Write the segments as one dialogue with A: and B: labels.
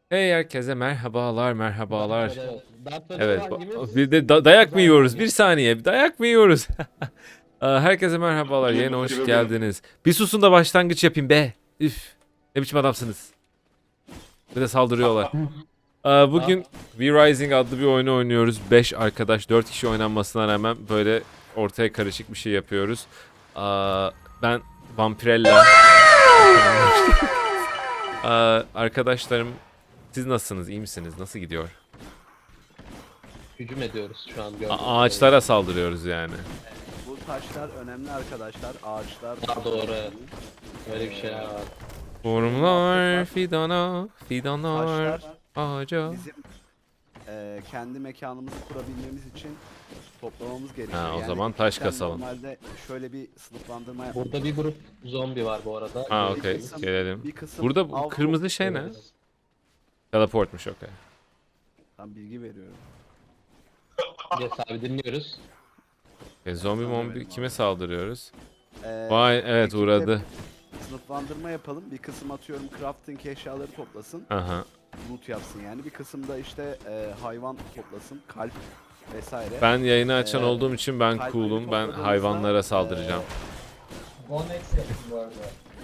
A: Hey herkese merhabalar, merhabalar.
B: Dark Vader
A: Evet,
B: hangimiz?
A: bir de dayak mı yiyoruz? Bir saniye, dayak mı yiyoruz? Herkese merhabalar, yayına hoş geldiniz. Bir susun da başlangıç yapayım be. Üf, ne biçim adamsınız? Bir de saldırıyorlar.
B: Ah,
A: Bugün V-Rising adlı bir oyunu oynuyoruz. 5 arkadaş, 4 kişi oynanmasına rağmen böyle ortaya karışık bir şey yapıyoruz. Ben Vampirella. Arkadaşlarım, siz nasılsınız? İyi misiniz? Nasıl gidiyor?
B: hücum ediyoruz şu an gördüğünüz
A: Ağaçlara
B: kadarıyla.
A: saldırıyoruz yani.
C: Bu taşlar önemli arkadaşlar. Ağaçlar
B: Daha doğru.
C: önemli.
B: Öyle bir şeyler var.
C: Şöyle bir muhabbet
A: Tohumlar
C: var.
A: fidana, fidanlar
C: Taşlar
A: ağaca.
C: bizim kendi mekanımızı kurabilmemiz için toplamamız gerekiyor.
A: Ha, o
C: Yani
A: zaman taş
C: cidden
A: kasalım.
C: normalde şöyle bir sınıflandırma
B: Burada bir grup zombi var bu arada.
A: Ha,
C: bir
A: okey.
C: kısım,
A: Gelelim.
C: bir kısım
A: Burada bu
C: av
A: kırmızı şey ne?
B: Evet.
A: Teleportmuş, okey.
C: Tam bilgi veriyorum.
B: Yes abi dinliyoruz.
A: Zombi
C: Sana
A: mombi
C: verelim
A: kime
C: abi.
A: saldırıyoruz?
C: Ee,
A: Vay, evet,
C: ekipte
A: uğradı.
C: sınıflandırma yapalım. Bir kısım atıyorum crafting eşyaları toplasın.
A: Aha.
C: Loot yapsın yani. Bir kısım da işte hayvan toplasın. Kalp vesaire.
A: Ben yayını açan
C: Ee,
A: olduğum için ben
C: kalpleri
A: cool'um. Ben
C: topladığımızda,
A: hayvanlara saldıracağım.
D: One X yapın bu arada.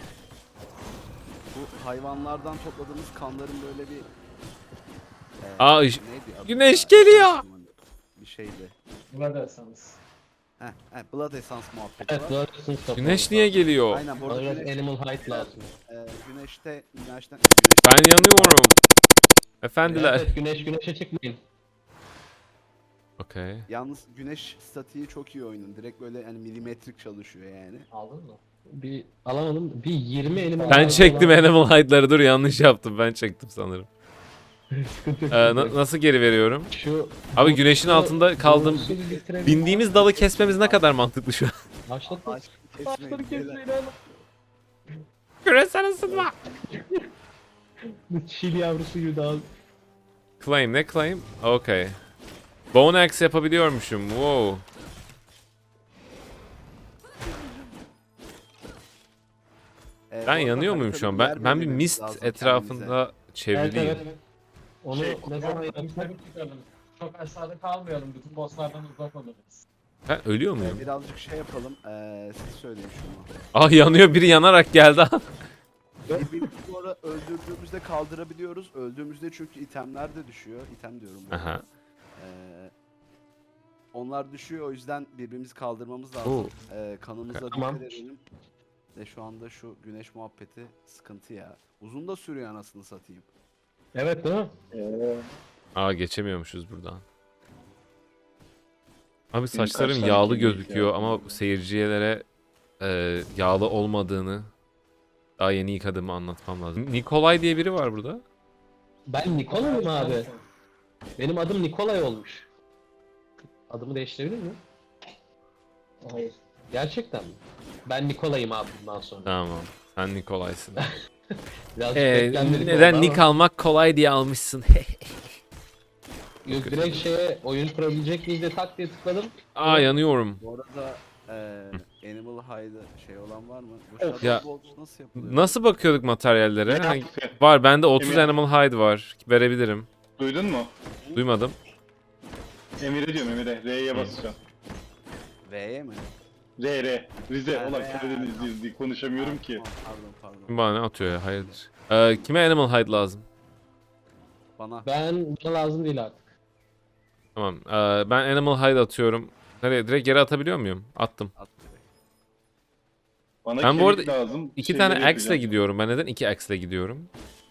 C: Bu hayvanlardan topladığımız kanların böyle bir
A: Aa,
C: neydi adı
A: güneş
C: ya?
A: geliyor.
C: Bir şeydi.
D: Buna dersanız.
C: Blood Essence muhabbeti
B: Evet,
C: var.
B: doğrusunuz topu.
A: Güneş niye geliyor?
C: Aynen burada
B: Bana biraz
C: güneş,
B: animal height lazım.
C: güneşten
A: Ben yanıyorum.
B: Evet,
A: Efendiler.
B: evet güneşe çıkmayın.
A: Okey.
C: yalnız güneş statiği çok iyi oyunun. Direkt böyle hani milimetrik çalışıyor yani.
D: Aldın mı?
B: Bir alamadım. Bir 20 animal
A: Ben
B: height
A: çektim
B: olan-
A: Animal Hide'ları, dur, yanlış yaptım, ben çektim sanırım.
B: Sıkıntı yok.
A: Nasıl geri veriyorum?
B: Şu
A: Abi güneşin altında kaldım.
B: Doğrusu bir bitirelim.
A: Bindiğimiz dalı kesmemiz ne kadar mantıklı şu an.
B: Başladık.
C: Ağaç
B: Ağaçları
C: kesmeyin.
B: kesmeyin oğlum.
A: Küresel ısınma.
B: Çil yavrusu gibi daha.
A: Claim ne claim? Okay. Bone axe yapabiliyormuşum. Wow. Ben
C: Bu arada
A: yanıyor muyum şu an?
C: haritada yer
A: Ben bir
C: belirlememiz
A: mist
C: lazım
A: etrafında
B: Evet,
A: çevriliyim.
B: evet. Onu ne zaman yapsak?
D: Yukarı çıkalım. Çok aşağıda kalmayalım. Bütün bosslardan uzak oluruz.
A: Ben ölüyor
C: kendimize.
A: muyum?
C: Birazcık şey yapalım. Siz söyleyin şunu.
A: Ah, yanıyor, biri yanarak geldi.
C: Birbirimizi bu arada öldürdüğümüzde kaldırabiliyoruz. Öldüğümüzde çünkü itemler de düşüyor. İtem diyorum bu arada.
A: Aha.
C: Ee, onlar düşüyor, o yüzden birbirimizi kaldırmamız
A: Oo.
C: lazım. Kanımıza
B: Tamam.
C: dikkat edelim. Ve şu anda şu güneş muhabbeti sıkıntı ya. Uzun da sürüyor anasını satayım.
B: Evet değil mi?
A: Aa, geçemiyormuşuz buradan. Abi
E: Benim
A: saçlarım
E: kaç tane
A: yağlı
E: kemik
A: gözüküyor
E: ya?
A: ama seyircilere yağlı olmadığını, daha yeni yıkadığımı anlatmam lazım. Nikolay diye biri var burada.
B: Ben Nikolay'ım abi. Benim adım Nikolay olmuş. Adımı değiştirebilir miyim?
D: Hayır.
B: Gerçekten mi? Ben Nikolay'ım abi bundan sonra.
A: Tamam. Sen Nikolay'sın.
B: Birazcık beklenmedik
A: Neden
B: oldu
A: nick
B: ama-
A: almak kolay diye almışsın?
B: Yok, direkt şeye oyun kurabilecek miyiz diye tak diye tıkladım.
A: Aa, yanıyorum.
C: Bu arada Animal Hide'ı şey olan var mı? Bu
E: Of.
C: Shadow
A: Ya,
C: Bolt nasıl yapılıyor?
A: Nasıl bakıyorduk materyallere?
E: Ne
A: Hani
E: yaptı?
A: var, bende 30
E: Emir-
A: Animal Hide var. Verebilirim.
E: Duydun mu?
A: Duymadım.
E: Emir'e diyorum Emir'e. R'ye basacağım.
C: V'ye mi?
E: R. Rize.
C: Ha,
E: Ulan
C: R.
E: Karadenizliyiz diye konuşamıyorum ki.
C: Pardon.
A: Kim bana ne atıyor ya? Hayırdır? Kime Animal Hide lazım?
C: Bana
B: Bana lazım değil artık.
A: Tamam. Ben Animal Hide atıyorum. Nereye? Direkt yere atabiliyor muyum? Attım.
C: at direkt.
E: Bana
A: Ben bu
E: kemik
A: arada
E: lazım.
A: İki
E: şeyleri
A: tane axe ile
E: yapacağım.
A: gidiyorum. Ben neden iki axe ile gidiyorum?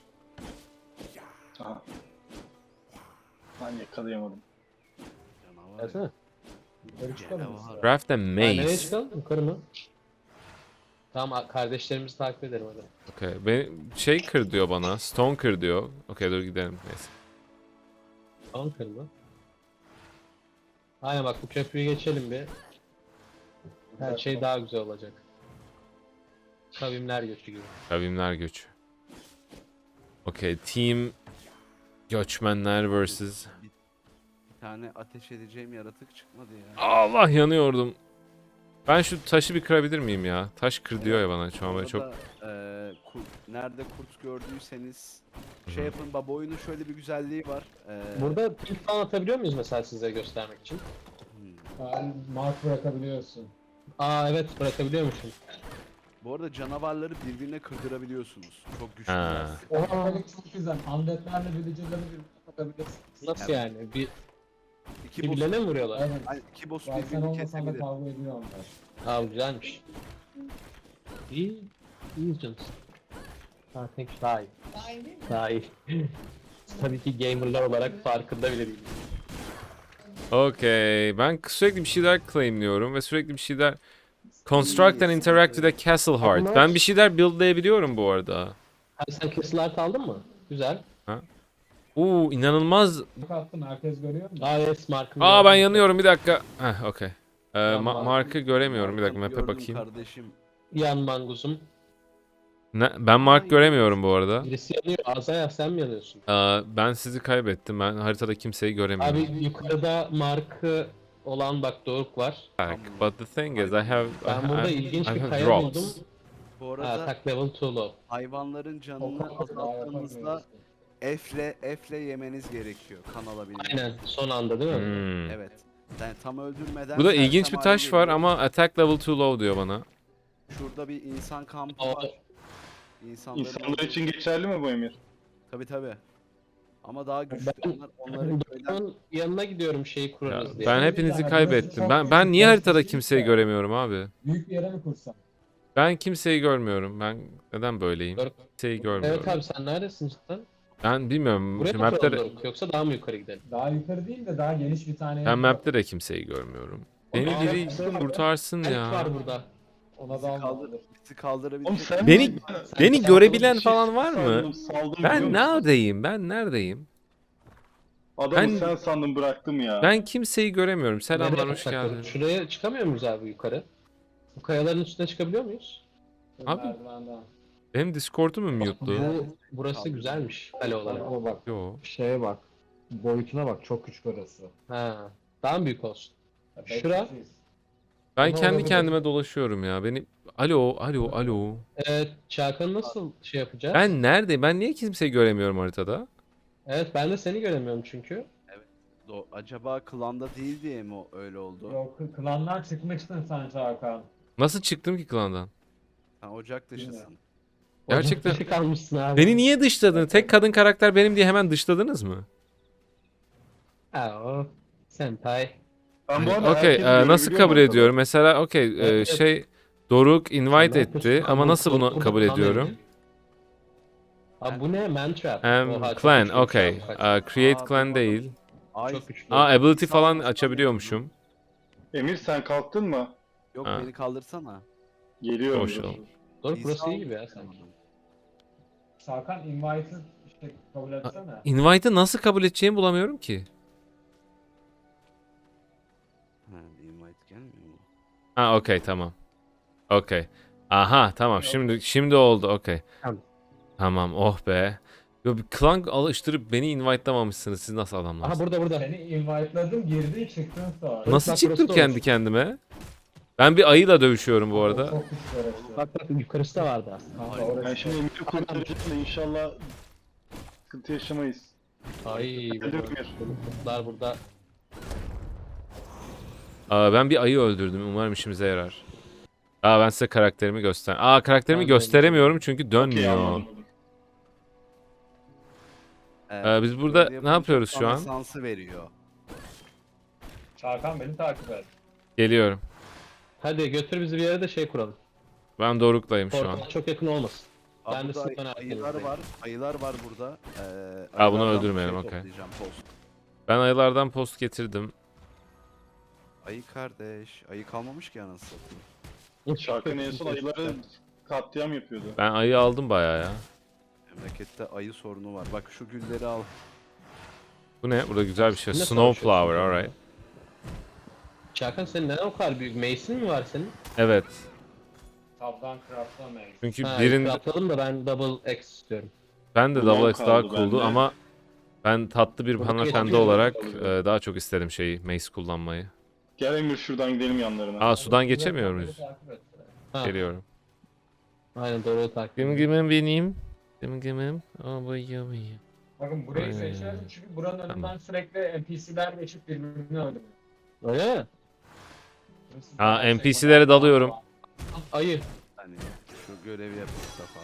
E: Aha. Lan yakalayamadım.
C: Canavar.
B: Gelsene.
D: Yukarı çıkalım biz.
C: Canavar.
A: Craft a
B: Ha, nereye
A: maze.
B: çıkalım? Yukarı mı? Tamam, kardeşlerimizi takip edelim hadi.
A: Okay. Şey kır diyor bana. Stone kır diyor. Okay, dur gidelim. Neyse.
B: Tamam, kırma. Aynen, bak bu köprüyü geçelim bir. Her şey daha güzel olacak. Kavimler göçü gibi.
A: Kavimler göçü. Okay. Team göçmenler vs.
C: Bir tane ateş edeceğim yaratık çıkmadı ya.
A: Allah, yanıyordum. Ben şu taşı bir kırabilir miyim ya? Taş kır diyor ya bana şu an böyle çok.
C: Burada, nerede kurt gördüyseniz şey yapın, baba oyunun şöyle bir güzelliği var.
B: Burada pil falan atabiliyor muyuz mesela size göstermek için?
D: Yani mark bırakabiliyorsun.
B: Aa evet bırakabiliyormuşum.
C: Bu arada canavarları birbirine kırdırabiliyorsunuz. Çok güçlüler.
A: Ha.
D: O mekanik çok güzel. Undead'lerle villager'ları birbirine katabilirsin.
B: Nasıl yani?
C: İki boss,
B: Birbirlerine mi vuruyorlar?
D: Evet.
C: yani iki boss
D: Ben sen
C: birbirini
D: olmasan da
C: kesebilir.
D: kavga ediyor onlar.
B: Aa güzelmiş. İyi. İyiyiz canım. Ha thank you. Daha iyi. Daha iyi. Tabii ki gamerlar olarak farkında bile değiliz.
A: Okey. Ben sürekli bir şeyler claimliyorum ve sürekli bir şeyler construct and interact with a castle heart. Ben bir şeyler buildlayabiliyorum bu arada.
B: Ha, sen kesil art aldın mı? Güzel.
A: İnanılmaz.
D: Bak attım, herkes görüyor mu?
B: Aa yes markım.
A: Aa ben yanıyorum bir dakika. Heh okey.
B: Tamam.
A: Mark'ı göremiyorum bir dakika map'e
C: Gördüm
A: bakayım.
C: kardeşim.
B: Yan manguzum.
A: Ben Mark göremiyorum bu arada.
B: Birisi yanıyor. Azaya sen mi yanıyorsun?
A: Ben sizi kaybettim. Ben haritada kimseyi göremiyorum.
B: Abi yukarıda markı olan bak Doruk var.
A: But the thing is I have
B: Ben burada ilginç
A: I
B: bir
A: have
B: kaya
A: drops.
B: buldum.
C: Bu
B: Ha,
C: arada
B: attack level 2 low.
C: hayvanların canını
D: Daha
C: azalttığınızda
D: yapamıyorsun.
C: F'le yemeniz gerekiyor kan alabilmek.
B: Aynen son anda değil mi?
A: Hmm.
C: Evet. Yani tam öldürmeden
A: Burada
C: sersem
A: ilginç bir
C: hale
A: taş var
C: geliyor.
A: ama attack level 2 low diyor bana.
C: Şurada bir insan kampı
B: O-
C: var. İnsanların
E: İnsanlar için geçerli mi bu Emir?
C: Tabi. Ama daha güçlü.
B: Ben-
C: Onları köyden
B: Doruk'un yanına gidiyorum şeyi
A: Ya,
B: kurarız diye.
A: ben hepinizi kaybettim. Ben niye haritada kimseyi göremiyorum abi?
D: Büyük bir yere mi kursan?
A: Ben kimseyi görmüyorum. Ben neden böyleyim?
B: Doruk.
A: Kimseyi görmüyorum.
B: Evet abi sen neredesin cidden?
A: Ben bilmiyorum.
B: Buraya
A: Şu
B: mı kuralım
A: map'te
B: Doruk yoksa daha mı yukarı gidelim?
D: Daha yukarı değil de daha geniş bir tane
A: ben
D: yer
A: map'te de kimseyi görmüyorum. Beni
B: Aa,
A: biri
B: evet.
A: kurtarsın
B: Elf
A: ya.
B: var burada.
D: Ona
C: bizi,
D: da
C: bizi kaldırabilecek.
E: Oğlum sen
A: Beni beni
B: sen-
A: görebilen
E: Bir şey
A: falan var mı?
E: sandım, saldım biliyor
A: Ben
E: musun?
A: neredeyim? Ben neredeyim?
E: Adamı
A: Ben-
E: sen sandım bıraktım ya.
A: Ben kimseyi göremiyorum. Selamlar,
B: Nereye
A: hoş
B: yapsak Doruk?
A: geldin.
B: Şuraya çıkamıyor muyuz abi yukarı? Bu kayaların üstüne çıkabiliyor muyuz?
A: Abi-
D: merdivenden.
A: Benim Discord'um mu mute'lu?
B: Burası güzelmiş kale olarak.
D: Ama bak
A: Yo.
D: şeye bak. Boyutuna bak, çok küçük orası.
B: Ha. Daha mı büyük olsun?
D: Ya,
B: Şura?
D: beş kişiyiz.
A: Ben
D: Ama
A: kendi
D: olabilir.
A: kendime dolaşıyorum ya. Beni alo.
B: Evet, Çağkan'ı nasıl şey yapacağız?
A: Ben neredeyim? Ben niye kimseyi göremiyorum haritada?
B: Evet, ben de seni göremiyorum çünkü.
C: Acaba klanda değil diye mi öyle oldu?
D: Yok, klandan çıkmıştın sen Çağkan.
A: Nasıl çıktım ki klandan?
C: Sen ocak dışısın.
A: Gerçekten-
B: Ocak dışı kalmışsın abi.
A: Beni niye dışladın? Tek kadın karakter benim diye hemen dışladınız mı?
B: Ha o. Senpai.
E: Ben bu arada
A: Okey,
E: herkesi görebiliyorum
A: nasıl kabul
E: ortada.
A: ediyorum? Mesela
B: Evet.
A: şey Doruk invite
B: Ne
A: etti
B: yapıyorsun?
A: ama nasıl bunu
B: Korkun
A: kabul
B: falan
A: ediyorum?
B: dedi. Abi bu ne? Mantrap. Oha, çok
A: Clan,
B: güçlüymüş
A: okey.
B: abi, kaç.
A: Create
C: Aa,
A: clan
C: bu
A: değil.
C: Ay,
B: Çok güçlü.
A: Ability
C: İnsan
A: falan
C: basman
A: açabiliyormuşum.
E: Emir sen kalktın mı?
C: yok
A: Ha.
C: beni kaldırsana.
E: Geliyorum.
A: Hoş
E: dur.
A: ol.
B: Doruk burası
C: İnsan-
B: iyi gibi ya sanki.
D: Çağkan invite'ı işte kabul etsene.
A: Invite'ı nasıl kabul edeceğimi bulamıyorum ki.
C: Ha, invite gelmiyor mu?
A: Ha okey tamam. Okey. Aha tamam şimdi oldu okey.
B: Tamam.
A: Tamam oh be. Yo, bir clan alıştırıp beni invite'lamamışsınız siz nasıl adamlarsınız?
B: Aha burada.
D: Seni invite'ladım, girdin çıktın sonra.
A: Nasıl
B: Bak,
A: çıktım
B: burası da
A: kendi
B: olmuş.
A: kendime? Ben bir ayıyla dövüşüyorum bu arada.
D: Çok küçük orası.
B: Bak yukarısı da vardı aslında.
D: Kanka
C: Ay,
D: orası.
E: Ben şimdi Emir'i kurtaracağım da inşallah sıkıntı yaşamayız.
B: Ay
E: Geldim
B: burada.
E: Emir.
B: Kurtlar burada.
A: Ben bir ayı öldürdüm umarım işimize yarar. Ben size karakterimi karakterimi
B: Ben de
A: gösteremiyorum çünkü
E: Okey,
A: dönmüyor.
E: anladım.
A: Biz burada
C: böyle
A: ne
C: yapınca
A: yapıyoruz şu
C: tam
A: an?
C: Esansı veriyor.
D: Çağkan beni takip et.
A: Geliyorum.
B: Hadi götür bizi bir yere de şey kuralım.
A: Ben Doruk'layım şu an.
B: Portala çok yakın olmasın.
C: Aa,
B: Ben de
C: burada
B: sınıftan
C: ayılar
B: arkanızdayım.
C: var. Ayılar var burada.
A: bunu
C: ayılardan
A: öldürmeyelim, okey.
C: toplayacağım, post.
A: Ben ayılardan post getirdim.
C: Ayı kardeş. Ayı kalmamış ki anasını satayım.
E: Şarkın en son ayıları katliam yapıyordu.
A: Ben ayı aldım bayağı ya.
C: Memlekette ayı sorunu var. Bak şu gülleri al.
A: Bu ne? Burada güzel bir şey.
B: Ne
A: Snowflower,
B: savaşıyorsun
A: alright.
B: Çağkan senin neden o kadar büyük? Mace'in mi var senin?
A: Evet.
D: Tabdan craftlamayız.
A: Çünkü
B: Ha,
A: birin
B: atladım da ben double X istiyorum.
A: ben de
E: Bunlar
A: Double X daha
E: kaldı
A: cool'du
E: bende.
A: ama ben tatlı bir
B: Burada
A: hanımefendi
B: geçiyor.
A: olarak daha çok isterim şeyi, mace kullanmayı.
E: Gel Emir şuradan gidelim yanlarına.
A: Aa, sudan geçemiyor muyuz?
B: Ha,
A: Geliyorum.
B: aynen doğru takip
A: Gım
B: ediyorum.
A: gımım benim. Gım gımım. Abayım.
D: Bakın burayı
A: Aynen.
D: seçiyorum çünkü buranın önünden
A: Tamam.
D: sürekli NPC'ler geçip birbirini öldürüyor.
B: Öyle mi?
A: Aa, NPC'lere dalıyorum.
B: Ayı.
C: Hani şu görevi yap Mustafa.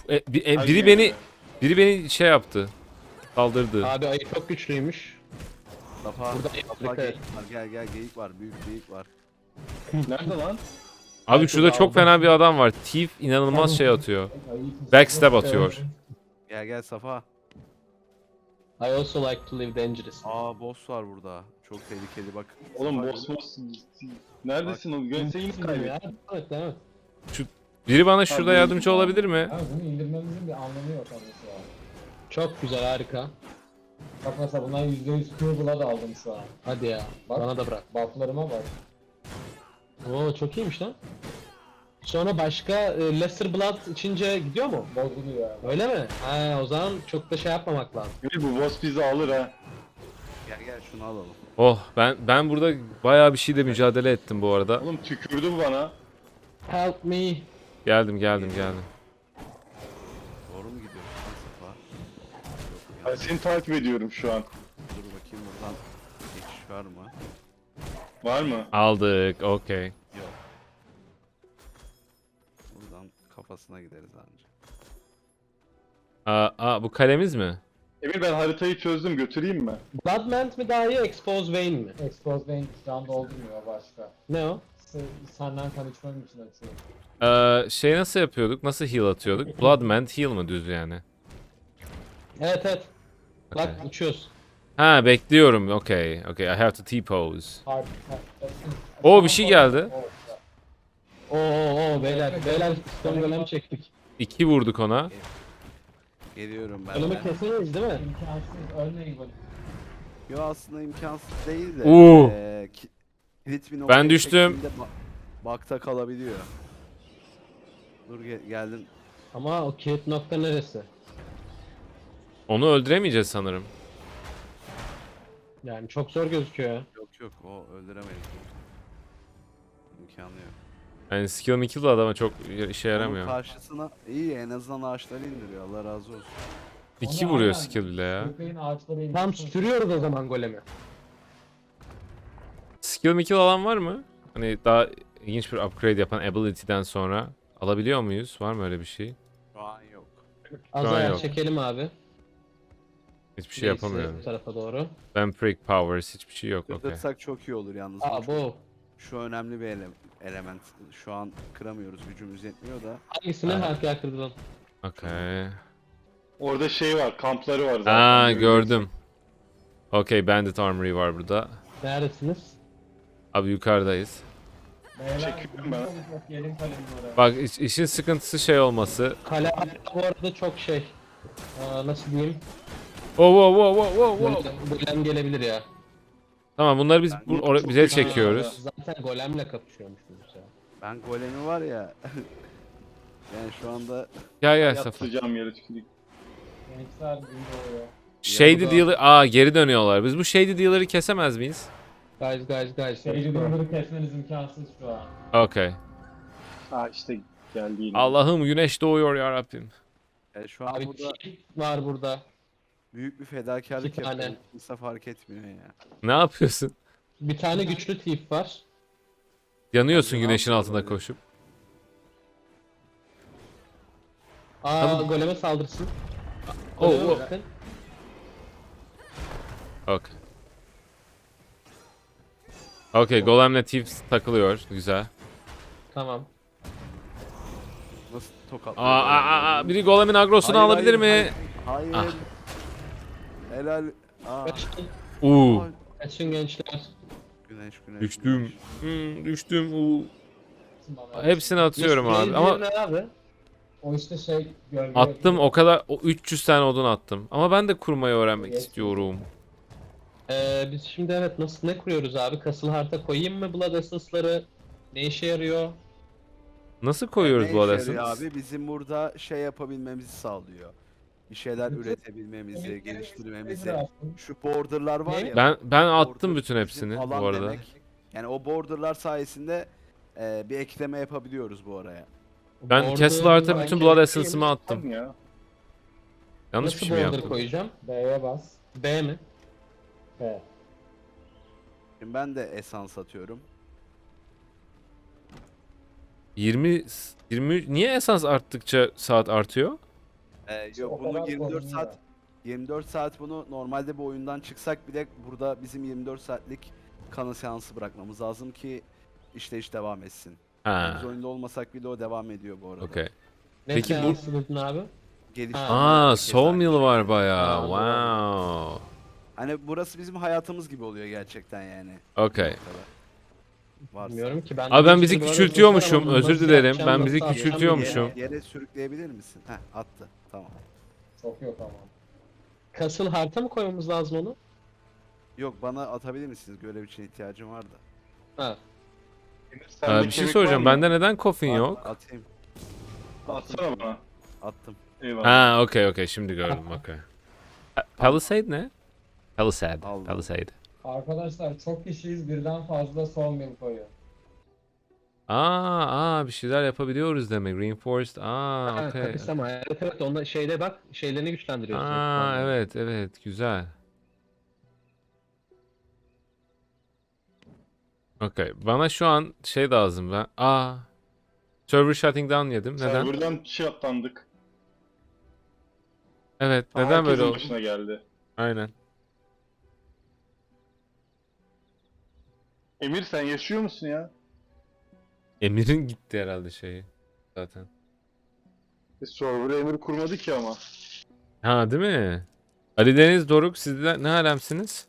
A: Biri beni şey yaptı. Saldırdı.
B: Abi ayı çok güçlüymüş.
C: Mustafa,
B: Burada
C: Mustafa
B: Afrika-
C: geyik var. Gel geyik var. Büyük geyik var.
E: Nerede lan?
A: Abi şurada çok fena bir adam var. Thief inanılmaz şey atıyor. Backstab atıyor.
C: Gel Safa.
B: I also like to live dangerous.
C: Aa boss var burada. Çok tehlikeli bak.
E: Oğlum
C: Safa-
E: boss. Neredesin oğlum? Gelseydik kaybet.
B: Evet, evet.
A: Biri bana şurada
E: Abi-
A: yardımcı olabilir mi?
D: Abi bunu indirmemizin bir anlamı yok mesela.
B: Çok güzel, harika.
D: Bak mesela bundan %100 Pure Blood aldım şu an.
B: Hadi ya.
D: Bak.
B: Bana da bırak.
D: Bufflarıma bak.
B: Oo, çok iyiymiş lan. Sonra başka Lesser Blood içince gidiyor mu?
D: Bozuluyor yani.
B: Öyle mi? Ha, o zaman çok da şey yapmamak lazım.
E: Emir bu boss bizi alır ha.
C: Gel şunu alalım.
A: Oh, ben burada bayağı bir şeyle mücadele ettim bu arada.
E: Oğlum tükürdü bu bana.
B: Help me.
A: Geldim.
C: Doğru mu gidiyorsun lan Safa? Yok
E: Ben
C: ya.
E: seni takip ediyorum şu an.
C: Dur bakayım buradan geçiş var mı?
E: Var mı?
A: Aldık. Okey.
C: Yok. Buradan kafasına gideriz anca.
A: Bu kalemiz mi?
E: Emir ben haritayı çözdüm, götüreyim mi?
B: Bloodmant mi daha iyi, Expose Vein mi?
D: Expose Vein şu an doldurmuyor başka.
B: Ne o?
D: Senden tanışmam için açıyorum.
A: Şey nasıl yapıyorduk? Nasıl heal atıyorduk? Bloodmant heal mı düz yani?
B: Evet. Bak
A: Okay.
B: uçuyoruz.
A: Ha, bekliyorum. Okay. I have to T-pose.
D: Hard,
A: Oo, bir şey geldi.
B: Oo beyler stone golem çektik.
A: 2 vurduk ona.
C: Geliyorum ben
B: Golemi
C: de.
B: kesemeyiz değil mi?
D: İmkansız ölmeyin böyle.
C: Yo aslında imkansız değil de.
A: Oo.
C: Kilit bir
A: Ben
C: noktaya
A: düştüm.
C: çektiğinde bakta kalabiliyor. Dur geldin.
B: Ama o kilit nokta neresi?
A: Onu öldüremeyeceğiz sanırım.
B: Yani çok zor gözüküyor ya.
C: Yok o öldüremeyiz. İmkanı yok.
A: Yani skill mi kill adama çok işe
C: Onun
A: yaramıyor.
C: karşısına iyi en azından ağaçları indiriyor. Allah razı olsun.
A: 2
D: Onu
A: vuruyor
D: aynen.
A: skill bile ya.
D: Köpeğin ağaçları
B: Tam
D: indirsin.
B: sürüyoruz o zaman golemi.
A: Skill mi kill alan var mı? Hani daha ilginç bir upgrade yapan ability'den sonra alabiliyor muyuz? Var mı öyle bir şey?
C: Şu an yok.
B: Az
A: Şu an
B: ayağa
A: yok.
B: çekelim abi.
A: Hiçbir şey
B: Neyse,
A: yapamıyorum.
B: Bu tarafa doğru.
A: Vampiric powers hiçbir şey yok. Okey.
C: Kırdırsak çok iyi olur yalnız.
B: Aa bu.
C: Şu önemli bir element. Şu an kıramıyoruz. Gücümüz yetmiyor da.
B: Hangisini harika kırdın?
A: Okey.
E: Orada şey var, kampları var zaten.
A: Aa,
E: görüyorsun.
A: gördüm. Okey, Bandit Armory var burada.
B: Neredesiniz?
A: Abi yukarıdayız.
D: Beyler,
E: Çekiyorum ben.
D: Gelin kalemini oraya.
A: Bak işin sıkıntısı şey olması.
B: Kale bu arada çok şey. Nasıl diyeyim?
A: Wow.
B: Golem gelebilir ya.
A: Tamam, bunları biz bize
E: güzel
A: çekiyoruz.
B: Zaten golemle kapışıyormuşsunuz ya.
C: Ben golemi var ya. yani şu anda
A: Gel Safa.
E: Yatacağım yere tüküreyim.
D: Gençler gün doğuyor.
A: Shady
B: Yanında-
A: Dealer... geri dönüyorlar. Biz bu Shady Dealer'ı kesemez miyiz?
B: Guys.
D: Seyirci durumları kesmeniz imkansız şu an.
A: Okey.
E: Ha işte geldi yine.
A: Allah'ım, güneş doğuyor ya Rabbim.
C: şu an
B: Abi
C: burada
B: kill var burada.
C: büyük bir fedakarlık
B: İki tane.
C: yapıyorum. Kimse fark etmiyor ya.
A: Ne yapıyorsun?
B: Bir tane güçlü thief var.
A: Yanıyorsun
C: Abi,
A: güneşin
C: ne
A: altında
C: yapıyor
A: koşup.
B: Goleme saldırsın.
A: Oh,
B: Goleme
A: oh.
B: bakın.
A: Okey. Okey, Golem'le Thieves takılıyor. Güzel.
B: Tamam.
C: Nasıl tokat?
A: Biri Golem'in agrosunu alabilir mi?
C: Hayır.
A: Ah.
C: Helal.
B: Kaçın,
A: Uuu.
B: kaçın gençler.
C: Güneş.
A: Düştüm. Düştüm.
D: Bana-
A: Hepsini atıyorum
B: Yes,
A: abi. Ama
B: ne abi?
D: O işte şey gölge.
A: attım o kadar. 300 tane odun attım. Ama ben de kurmayı öğrenmek istiyorum.
B: Biz şimdi evet ne kuruyoruz abi? Castle harita koyayım mı Blood Essence'ları? Ne işe yarıyor?
A: Nasıl koyuyoruz bu
C: Ne işe
A: adresi?
C: yarıyor abi? Bizim burada şey yapabilmemizi sağlıyor. Bir şeyler üretebilmemizi, geliştirmemizi. Şu borderlar var ya.
A: Ben attım
C: border
A: bütün
C: bizim
A: hepsini
C: alan
A: bu arada.
C: demek. Yani o borderlar sayesinde bir ekleme yapabiliyoruz bu araya.
A: Ben
B: Border
A: Castle Art'a bütün Blood
B: bence-
A: Essence'ımı attım.
E: Tamam ya.
A: Yanlış bir
B: Nasıl
A: şey mi
B: border
A: yaptım?
B: koyacağım?
D: B'ye bas.
B: B mi?
D: B.
C: Şimdi ben de esans atıyorum.
A: 20 niye esans arttıkça saat artıyor?
C: Yok
D: o
C: bunu
D: kadar
C: 24
D: sorun
C: saat
D: ya.
C: 24 saat bunu normalde bu oyundan çıksak bile burada bizim 24 saatlik kanı seansı bırakmamız lazım ki iş devam etsin.
A: Ha.
C: Biz oyunda olmasak bile o devam ediyor bu arada.
A: Okey.
B: Ne
A: Peki bu-
B: seansı dedin abi?
C: Geliştirme
A: Aa,
C: keza
A: Soul
C: aynı
A: Meal
C: şey.
A: var bayağı.
B: Aa,
A: Wow.
C: Hani burası bizim hayatımız gibi oluyor gerçekten yani.
A: Okey.
C: Varsa.
B: Bilmiyorum ki ben.
A: Abi ben
B: bir
A: bizi
B: sürü böyle
A: küçültüyormuşum.
B: dostlar ama
A: Özür
B: nasıl
A: dilerim.
B: yapacağım,
A: Ben bizi
B: nasıl atacağım
A: küçültüyormuşum.
B: bilmiyorum.
C: Yere sürükleyebilir misin? Heh attı. Tamam.
D: Çok yok ama.
B: Castle Heart'a mı koymamız lazım onu?
C: Yok bana atabilir misiniz? Görev için ihtiyacım var da.
B: Ha.
E: Sende
A: Bir şey
E: kemik
A: soracağım.
E: var mı?
A: Bende neden coffin
C: Var,
A: yok?
C: Atayım.
E: Atsana bana.
C: Attım.
E: Eyvallah.
A: Ha, okey. Şimdi gördüm. Okey. Palisade ne? Palisade.
C: Aldım.
A: Palisade.
D: Arkadaşlar çok kişiyiz birden fazla son mil koyuyor.
A: Bir şeyler yapabiliyoruz demek. Reinforced.
B: Ha,
A: Okey.
B: kapısama. Evet onda şeyde bak şeylerini güçlendiriyorsun.
A: Evet. Güzel. Okey. Bana şu an şey lazım ben. Server shutting down yedim. Neden?
E: Serverdan şey atlandık.
A: Evet. Neden
E: Herkesin
A: böyle oldu?
E: başına geldi.
A: Aynen.
E: Emir sen yaşıyor musun ya?
A: Emir'in gitti herhalde şeyi. Zaten.
E: Server'ı Emir kurmadı ki ama.
A: Ha, değil mi? Ali Deniz, Doruk, siz de ne alemsiniz?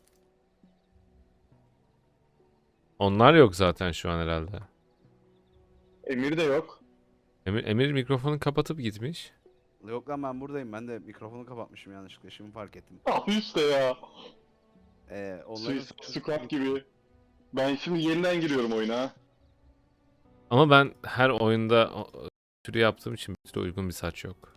A: Onlar yok zaten şu an herhalde.
E: Emir de yok.
A: Emir mikrofonu kapatıp gitmiş.
C: Yok lan ben buradayım. Ben de mikrofonu kapatmışım yanlışlıkla. Şimdi fark ettim.
E: Abi işte ya.
C: Onların
E: Suicide Squad gibi. Ben şimdi yeniden giriyorum oyuna.
A: Ama ben her oyunda türü yaptığım için bir türlü uygun bir saç yok.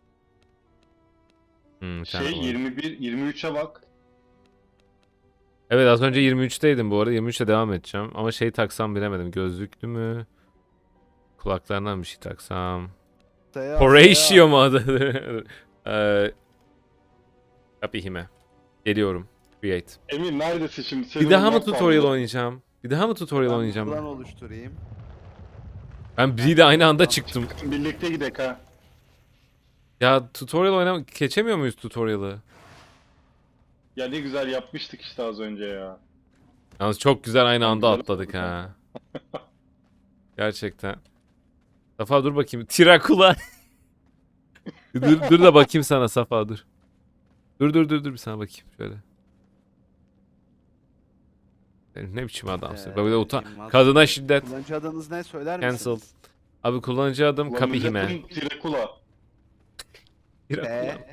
A: Bir tane
E: Şey
A: var.
E: 23'e bak.
A: Evet, az önce 23'teydim bu arada. 23'te devam edeceğim. Ama şey taksam bilemedim. Gözlüklü mü? Kulaklarından bir şey taksam. Horatio mu adı? Kapihime. Geliyorum. Create.
E: Emir neredesin şimdi?
A: Bir
E: Senin
A: daha mı
E: olmak
A: tutorial
E: kaldı.
A: oynayacağım? Bir daha mı tutorial
C: Ben
A: oynayacağım?
C: buradan oluşturayım.
A: Ben bir de aynı anda çıktım.
E: Birlikte gidek ha.
A: Ya tutorial oynamak geçemiyor muyuz tutorial'ı?
E: Ya ne güzel yapmıştık işte az önce ya.
A: Yalnız çok güzel aynı anda
E: Güzel
A: atladık
E: oldu.
A: ha. Gerçekten. Safa dur bakayım. Tirakula. dur da bakayım sana Safa dur. Dur bir sana bakayım şöyle. Sen ne biçim adamsın? Bak bir de
C: Yılmaz
A: kadına
C: Bey.
A: şiddet.
C: Kullanıcı adınız ne söyler
A: Cancelled.
C: misiniz?
A: Abi kullanıcı adım
E: Ulan
A: Kapihime.
E: milletin Tirakula.
A: Tirakula.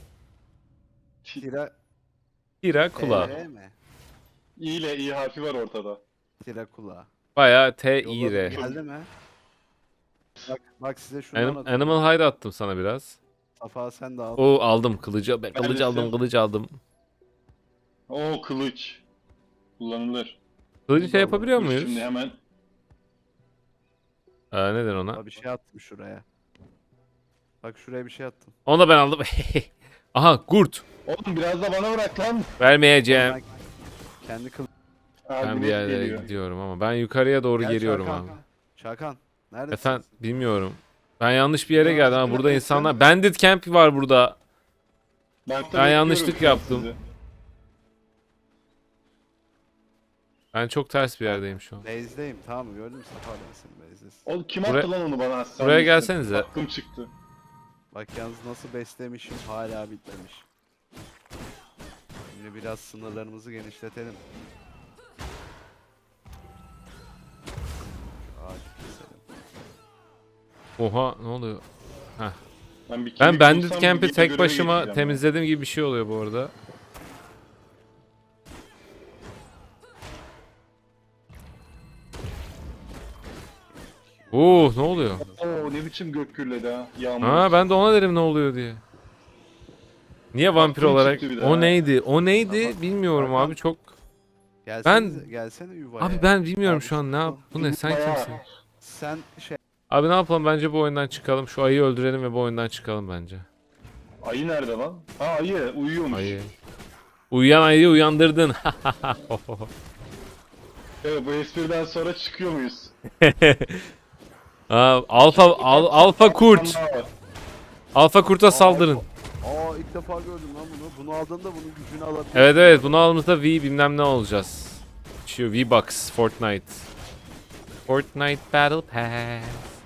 C: Tira
A: Tirakula.
C: mi?
E: İ ile İ harfi var ortada.
C: Tirakula.
A: Bayağı T-I-R.
C: Geldi mi? Bak size şundan atıyorum.
A: Animal Hide attım sana biraz.
C: Safa sen de al.
A: Oo, aldım kılıcı. Ben kılıcı
E: Neredesin?
A: aldım, kılıcı aldım.
E: Oo kılıç. Kullanılır.
A: Kılıcı şey yapabiliyor
E: Dur
A: muyuz?
E: Şimdi hemen.
A: Neden ona?
C: Aa, bir şey attım şuraya. Bak şuraya bir şey attım.
A: Onu da ben aldım. Aha, kurt.
E: Oğlum biraz da bana bırak lan.
A: Vermeyeceğim.
C: Ben kendi kıl...
E: Abi
A: Ben bir
E: net
A: yerlere
E: geliyor.
A: gidiyorum ama ben yukarıya doğru
C: Gel
A: geliyorum
C: Çakan.
A: abi.
C: Çakan. Neredesin?
A: Efendim bilmiyorum. Ben yanlış bir yere geldim ama burada insanlar... Bandit Camp var burada.
E: Ben
A: yanlışlık
E: bekliyorum
A: yaptım.
E: sizi.
A: Ben çok ters bir yerdeyim şu an.
C: Base'deyim tamam mı? Gördün mü? Safa neresin? Base'desin.
E: Oğlum kim
A: Buraya-
E: attı lan onu bana? Sen
A: buraya
E: misin?
A: gelsenize.
E: Aklım çıktı.
C: Bak yalnız nasıl beslemişim hala bitmemiş. Şimdi biraz sınırlarımızı genişletelim. Ağaç keselim.
A: Oha, ne oluyor?
E: Ben, bir
A: Ben
E: kemik
A: Bandit
E: bulsam
A: Camp'i
E: bir
A: tek
E: göreve
A: başıma
E: geçeceğim ya.
A: temizlediğim gibi bir şey oluyor bu arada. Ne oluyor?
E: Oo ne biçim gök gürledi ha. Yağmur.
A: Ben de ona derim ne oluyor diye. Niye vampir
E: Aklım
A: olarak?
E: çıktı bir de
A: O
E: ha.
A: neydi? O neydi?
C: Tamam.
A: Bilmiyorum
C: Hakan.
A: abi çok.
C: Gelsene yuvaya.
A: Abi ben bilmiyorum
C: Abi
A: şu an ne yap. Bu ne, sen
E: Bayağı-
A: kimsin?
C: Sen şey
A: Abi ne yapalım, bence bu oyundan çıkalım. Şu ayıyı öldürelim ve bu oyundan çıkalım bence.
E: Ayı nerede lan? Ha ayı uyuyormuş.
A: Ayı. Uyuyan ayıyı uyandırdın.
E: Evet, bu espriden sonra çıkıyor muyuz?
A: Alfa kurt.
E: Anlar var.
A: Alfa kurta saldırın.
C: ilk defa gördüm lan bunu. Bunu aldığında bunun gücünü alabiliyorsun.
A: Evet bunu aldığımızda V bilmem ne olacağız. Şu V-Bucks Fortnite. Fortnite Battle Pass.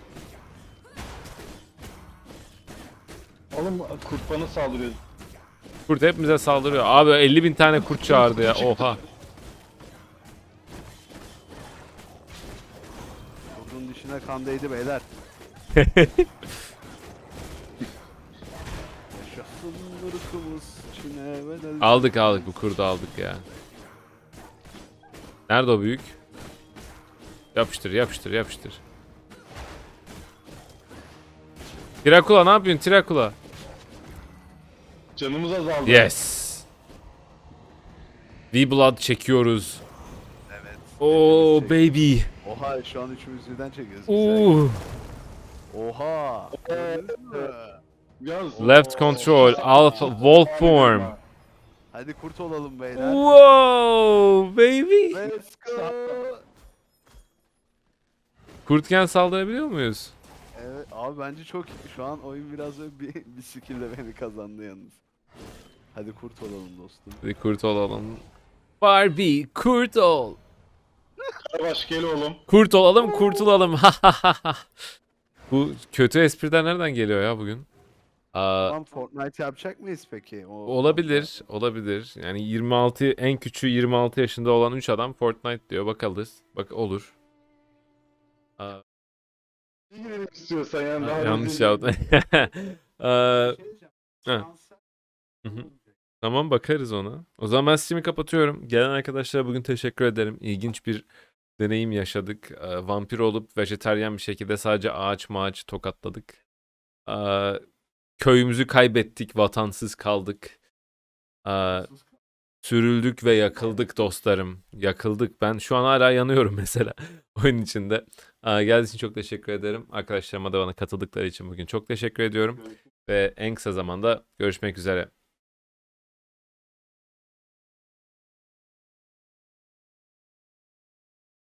E: Oğlum kurt bana saldırıyor.
A: Kurt hepimize saldırıyor. Abi 50.000 tane kurt çağırdı ya. Oha.
C: Kurdun dişine kan değdi beyler. Yaşasın ırkımız Çin'e bedel.
A: Aldık bu kurdu aldık ya. Nerede o büyük? Yapıştır. Tirakula ne yapıyorsun Tirakula?
E: Canımız azaldı.
A: Yes. V-Blood çekiyoruz.
C: Evet.
A: Oh
C: hepimiz
A: baby.
C: Oha şu an üçümüz birden çekiyoruz.
A: Ooh.
C: Oha. Gördünüz mü?
E: Yalnız-
A: Left control, alpha, wolf form.
C: Hadi kurt olalım beyler.
A: Wow baby.
C: Let's go.
A: Kurtken saldırabiliyor muyuz?
C: Evet abi bence çok iyi. Şu an oyun biraz böyle bir skill'le beni kazandı yalnız. Hadi kurt olalım dostum.
A: Hadi kurt olalım. Barbie kurt ol.
E: Yavaş gel oğlum.
A: Kurt olalım kurtulalım. Bu kötü espriden nereden geliyor ya bugün?
C: Tamam Fortnite yapacak mıyız peki?
A: Olabilir. Yani 26 en küçüğü 26 yaşında olan 3 adam Fortnite diyor. Bakalız. Bak olur.
E: Ne girelim istiyorsan yani. daha
A: Yanlış
E: rezil
A: yaptım.
C: Bir şey diyeceğim.
A: Heh.
C: Şansa-
A: Hı hı. Tamam bakarız ona. O zaman ben Steam'i kapatıyorum. Gelen arkadaşlara bugün teşekkür ederim. İlginç bir deneyim yaşadık. Vampir olup vejetaryen bir şekilde sadece ağaç tokatladık. Köyümüzü kaybettik, vatansız kaldık. Sürüldük ve yakıldık dostlarım. Yakıldık. Ben şu an hala yanıyorum mesela oyun içinde. Geldiğiniz için çok teşekkür ederim. Arkadaşlarıma da bana katıldıkları için bugün çok teşekkür ediyorum. Ve en kısa zamanda görüşmek üzere.